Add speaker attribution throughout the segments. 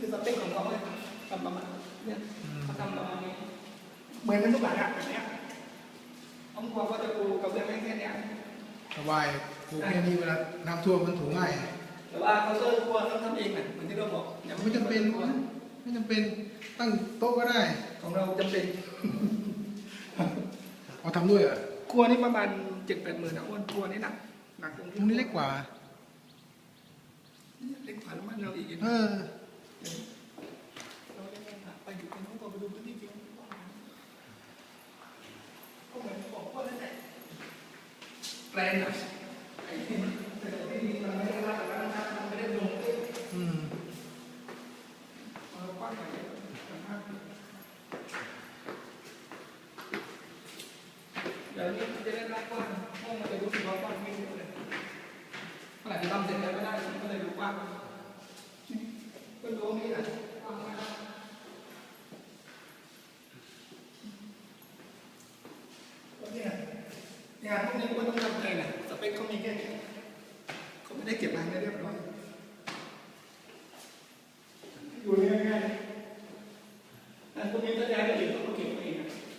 Speaker 1: สเปคของเขาเลยทำประมาณเนี่ยเขาทำประมาณนี้เหมือนกันทุกหลังแบบนี้ห้องครัวก็จะปูกับเรื่องแค่นี้
Speaker 2: สบายปลูกแค่นี้เวลาน้ำท่วมมันถูง่าย
Speaker 1: แต่ว่าเขาเตอร์ครัวต้องทำเองเหมือนที่เราบอก
Speaker 2: ไม่จำเป็นไม่จำเป็นตั้งโต๊ะก็ได้
Speaker 1: ของเราจำเป็น
Speaker 2: เอาทำด้วยเหรอ
Speaker 1: ครัวนี่ประมาณ7-8 หมื่นนะอ้วนครัวนี่หนักตรง
Speaker 2: นี้เล็กกว่า
Speaker 1: เล็กกว่าแล้วมันเราอีกเราได้ไปอยู่ในห้องครัวไปดูพื้นที่จริงก็เหมือนบอกว่านั่นแหละแปลนอะไอ้ที่แต่ที่ดินมันไม่ได้ว่าแต่ว่ามันไม่ได้ลงกว้างใหญ่เดี๋ยวนี้จะได้รับกว้างห้องมันจะรู้สึกว่ากว้างไม่เยอะเลยเมื่อไหร่ที่ทำเสร็จแล้วก็ได้ก็เลยดูกว้างก็รู้นี่แหละกว้างมากเนี่ยพวกนี้ก็ต้องทำใจแหละสเปคเขามีแค่นี้เขาไม่ได้เก็บรายละเอียดเรียบร้อยอยู่ง่ายๆแต่พวกนี้ถ้าย้ายไปอยู่ต้องเก็บเอง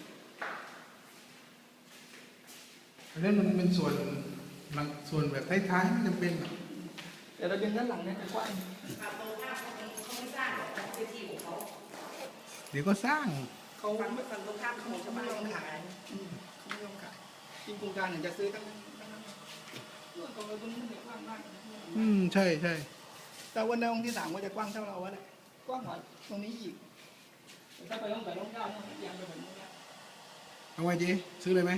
Speaker 2: อันนั้นมันเป็นส่วนแบบท้ายๆไม่จำเป็นหรอก
Speaker 1: แต่ระเบียงด้านหลังเนี่ยจะกว้าง
Speaker 3: ตรงข้ามเขาไม่สร้างหรอกพื้นที่ของเขา
Speaker 2: เดี๋ยวก็สร้าง
Speaker 1: เขาฝั่งตรงข้ามเขาจะไม่ยอมขายเขาไม่ยอมขายจริงโครงการเนี่ยจะซื้อตั้งตรงนี้มันกว้างมาก
Speaker 2: ใช่ใช่
Speaker 1: แต่วันในองค์ที่3ก็จะกว้างเท่าเราวะเนี่ยกว้างกว่าตรงนี้อีกถ้าไปต้อง9เนี่ยยังไปเหมือนนี้
Speaker 2: เอาไว้จีซื้อเลยไหม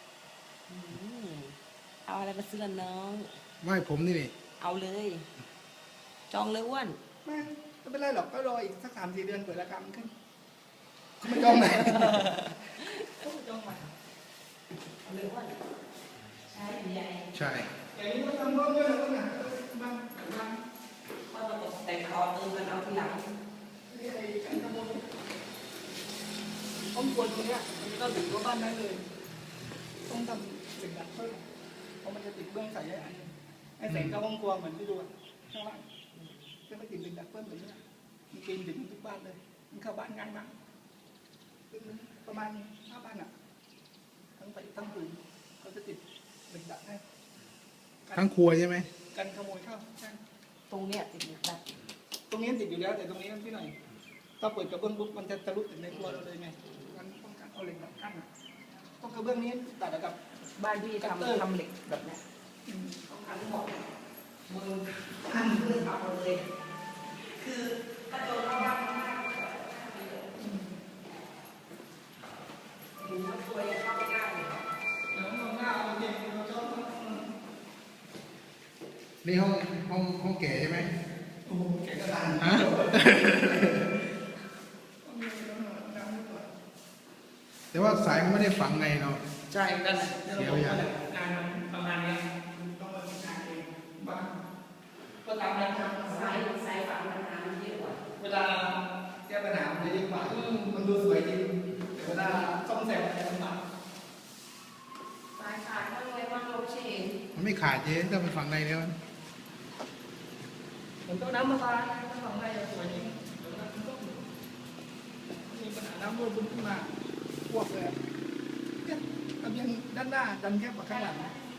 Speaker 3: เอาอะไรมาซื้อน้อง
Speaker 2: ไม่ผมนี่
Speaker 3: เอาเลยจองเลยอ้วน
Speaker 1: ไม่เป็นไรหรอกก็รออีกสัก3-4 เดือนเปิดราคามันขึ้นเขาไม่จองไหนเขาไม่จองไหน
Speaker 3: เอาเลยอ้วนใช่ใหญ่
Speaker 2: ใช่
Speaker 1: อย่างนี้ก็ทำร่วมด้วยนะคุณนะบ้าง
Speaker 3: ก็จะตกแต่งเอากันเอาทีหลัง
Speaker 1: นี่ไอ้การขโมยห้องครัวตรงนี้มันก็ติดว่าบ้านได้เลยต้องทำเหล็กดัดเพิ่มเพราะมันจะติดเบื้องใส่ได้ไอ้แสงเข้าห้องครัวเหมือนที่ดูข้างล่างก็ไม่ติดเหล็กดัดเพิ่มแบบนี้มีเกณฑ์ติดทุกบ้านเลยมันเข้าบ้านง่ายมากประมาณ5 บ้านอ่ะทั้งไปทั้งปืนเขาจะติดเหล็กดัดให้
Speaker 2: ทั้งครัวใช่ไหม
Speaker 1: กันขโมยเข้าใช่
Speaker 3: ตรงเนี้ยติดเหล็กดัด
Speaker 1: ตรงนี้ติดอยู่แล้วแต่ตรงนี้พี่หน่อยถ้าเปิดกระเบื้องปุ๊บมันจะทะลุถึงในครัวเราเลยไงงั้นต้องการเอาเหล็กดัดกั้นต้องกระเบื้องนี้ตัดกับ
Speaker 3: บ้านพี่ทำเหล็กแบบนี้ต้องทำหมดมือทำเพื่อทำหมดเลยคือกระโจนเข้าบ้านดูว่าตัวยังเข้าไม่ได้เลย
Speaker 2: นี่ห้องแก่ใช่ไหม
Speaker 1: โอ้แก่กระดาน
Speaker 2: ฮะแต่ว่าสายก็ไม่ได้ฝังในเนาะ
Speaker 1: ใช่กันเสียวอย่างงานประมาณนี้ต้องมาทำงานเองบ้างก็ตามนั้นครับ
Speaker 3: สายฝังมันเยอะกว่า
Speaker 1: เวลาแก้ปัญหามันจะดีกว่ามันดูสวยจริงแต่เวลาซ่อมแซมมันลำบาก
Speaker 3: สายขาดก็เลยว่าลบเชน
Speaker 2: มันไม่ขาดเจ๊ถ้ามันฝังในแล้ว
Speaker 1: ผมต้องน้ำมาตายถ้าฝังในจะสวยจริงมีปัญหาน้ำรั่วบึ้งขึ้นมาพวกเลยเนี่ยทำยังด้านหน้าดันแคบกว่าข้างหลัง